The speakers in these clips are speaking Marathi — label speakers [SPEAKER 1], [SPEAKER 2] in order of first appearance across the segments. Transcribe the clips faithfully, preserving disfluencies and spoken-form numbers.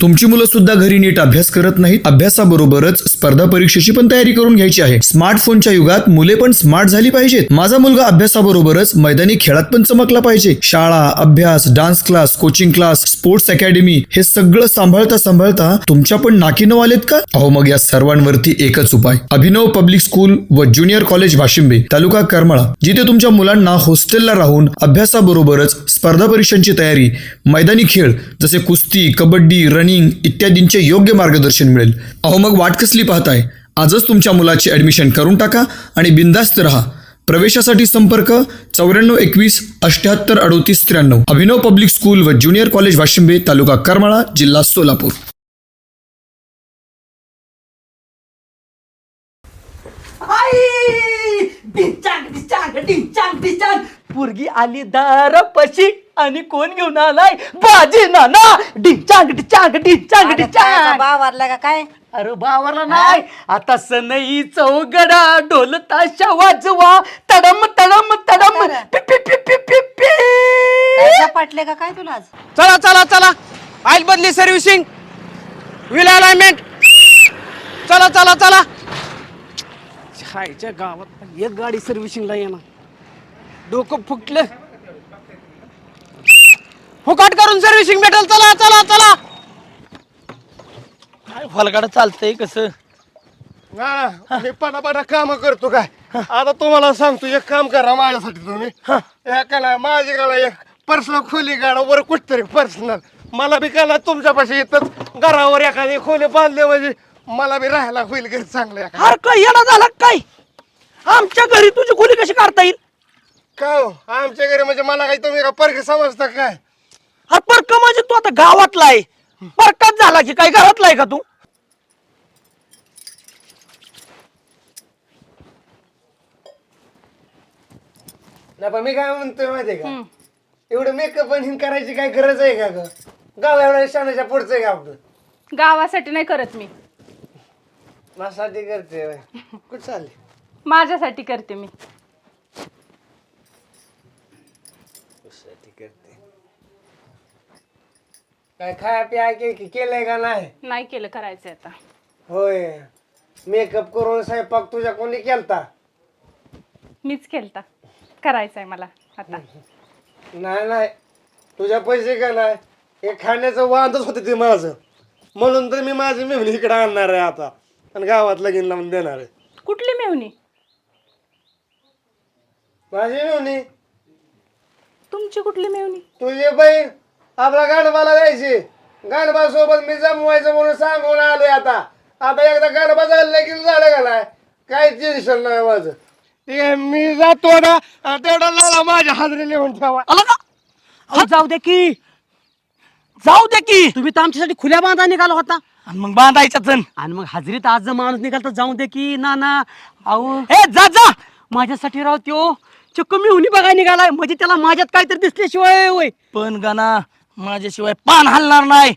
[SPEAKER 1] तुमची मुलं सुद्धा घरी नीट अभ्यास करत नाहीत. अभ्यासाबरोबरच स्पर्धा परीक्षेची पण तयारी करून घ्यायची आहे. स्मार्टफोनच्या युगात मुले पण स्मार्ट झाली पाहिजेत. माझा मुलगा अभ्यासाबरोबरच मैदानी खेळात पण चमकला पाहिजे. शाळा, अभ्यास, dance class, coaching class, sports academy हे सगळं सांभाळता सांभाळता तुमच्या पण नाकी नऊ आलेत का? अहो मग या सर्वांवरती एकच उपाय. अभिनव पब्लिक स्कूल व ज्युनियर कॉलेज वाशिंबे, तालुका करमाळा, जिथे तुमच्या मुलांना हॉस्टेलला राहून अभ्यासाबरोबरच स्पर्धा परीक्षांची तयारी, मैदानी खेळ जसे कुस्ती, कबड्डी, रनिंग इत्यादींचे योग्य मार्गदर्शन मिळेल. अहो मग वाट कसली पाहताय? आजच तुमच्या मुलाची ऍडमिशन करून टाका आणि बिंदास्त रहा. प्रवेशासाठी संपर्क चौऱ्याण्णव एकवीस अठ्याहत्तर अडोतीस त्र्याण्णव. अभिनव पब्लिक स्कूल व ज्युनियर कॉलेज वाशिंबे, तालुका करमाळा, जिल्हा सोलापूर.
[SPEAKER 2] पोरगी आली दारापाशी आणि कोण घेऊन आलाय? बाजी नाना. डिंचांग डिचांग डिंचांग डिचांग.
[SPEAKER 3] बावारला का काय?
[SPEAKER 2] अरे बावरला नाही, आता सनई चौगडा ढोल ताशा वाजवा, तडम तडम तडम पि पि पि पि पि पि.
[SPEAKER 3] काय झपाटले का काय तुला आज?
[SPEAKER 4] चला चला चला, ऑइल बदली, सर्व्हिसिंग, व्हील अलाइनमेंट, चला चला चला. छायच्या गावात एक गाडी सर्व्हिसिंगला येणार, डोकं फुटलं. फुकाट करून सर्व्हिसिंग भेटल. चला चला चला. काय फलगाड चालतंय कसं?
[SPEAKER 5] मी पटापटा काम करतो काय. आता तुम्हाला सांगतो, एक काम करा माझ्यासाठी तुम्ही. एकाला माझी गाला एक पर्सनल खोली गाडा वर कुठतरी पर्सनल मला बी काला तुमच्यापाशी येतच घरावर एखादी खोली बांधले म्हणजे मला बी राहायला होईल घरी चांगलं.
[SPEAKER 4] अरे काय येणं झाला काय? आमच्या घरी तुझी खोली कशी काढता येईल?
[SPEAKER 5] का हो आमच्या घरी म्हणजे मला काही तुम्ही का परके समजता काय?
[SPEAKER 4] हा परक म्हणजे तू आता गावातला आहे, परकाच झाला की काय घरातला आहे का तू?
[SPEAKER 5] नाही पण मी काय म्हणतोय माहितीये का, एवढं मेकअप आणि करायची काय गरज आहे का ग? गाव एवढ्या शाण्याच्या पुढचं आहे का आपलं?
[SPEAKER 6] गावासाठी नाही करत मी,
[SPEAKER 5] माझ्यासाठी करते. कुठं चालली?
[SPEAKER 6] माझ्यासाठी करते मी.
[SPEAKER 5] काय खाया पिया के केलंय का नाही?
[SPEAKER 6] नाही केलं, करायचंय आता.
[SPEAKER 5] होय, मेकअप करून स्वयंपाक तुझ्या कोणी केलता?
[SPEAKER 6] मीच केलता, करायचंय मला आता.
[SPEAKER 5] नाही नाही, तुझ्या पैसे का नाही, हे खाण्याचं वांदच होते ते माझं, म्हणून तर मी माझी मेहनी इकडे आणणार आहे आता आणि गावात लगीन लावून देणार आहे.
[SPEAKER 6] कुठली मेवणी?
[SPEAKER 5] माझी मेहनी.
[SPEAKER 6] तुमची कुठली मेवणी?
[SPEAKER 5] तुझी बहीण आपला गाणबाला द्यायची. गाणबा सोबत मी जमवायचं म्हणून सांगून आलोय. आता आता एकदा गाणबा झालं लगीन झालं का नाही, काही टेन्शन नाही माझं. ठीक आहे, मी जातो ना, तेवढा लाला माझ्या हाजरी लिहून ठेवा.
[SPEAKER 4] आला का? अहो, जाऊ दे की, जाऊ दे की. तुम्ही तर आमच्यासाठी खुल्या बांधा निघाला होता आणि मग बांधायचाच आणि मग हजरीत आज जर माणूस निघाल तर जाऊ दे की. ना ना अहो, हे जा जा, माझ्यासाठी राव त्यो चक्क मी हुनी बघायला निघालाय, म्हणजे त्याला माझ्यात काहीतरी दिसल्याशिवाय होय. पण गाना माझ्याशिवाय पान हलणार नाही.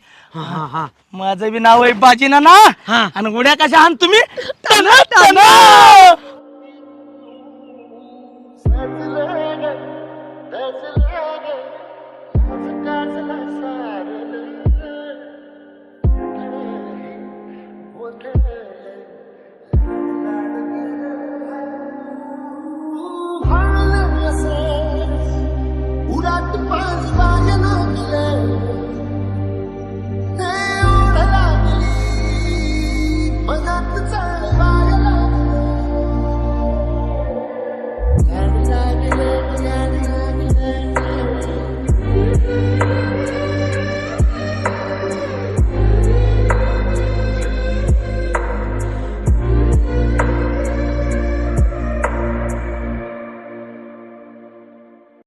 [SPEAKER 4] माझं बी नाव आहे बाजी ना ना. आणि उड्या कशा आहात तुम्ही? टना टना.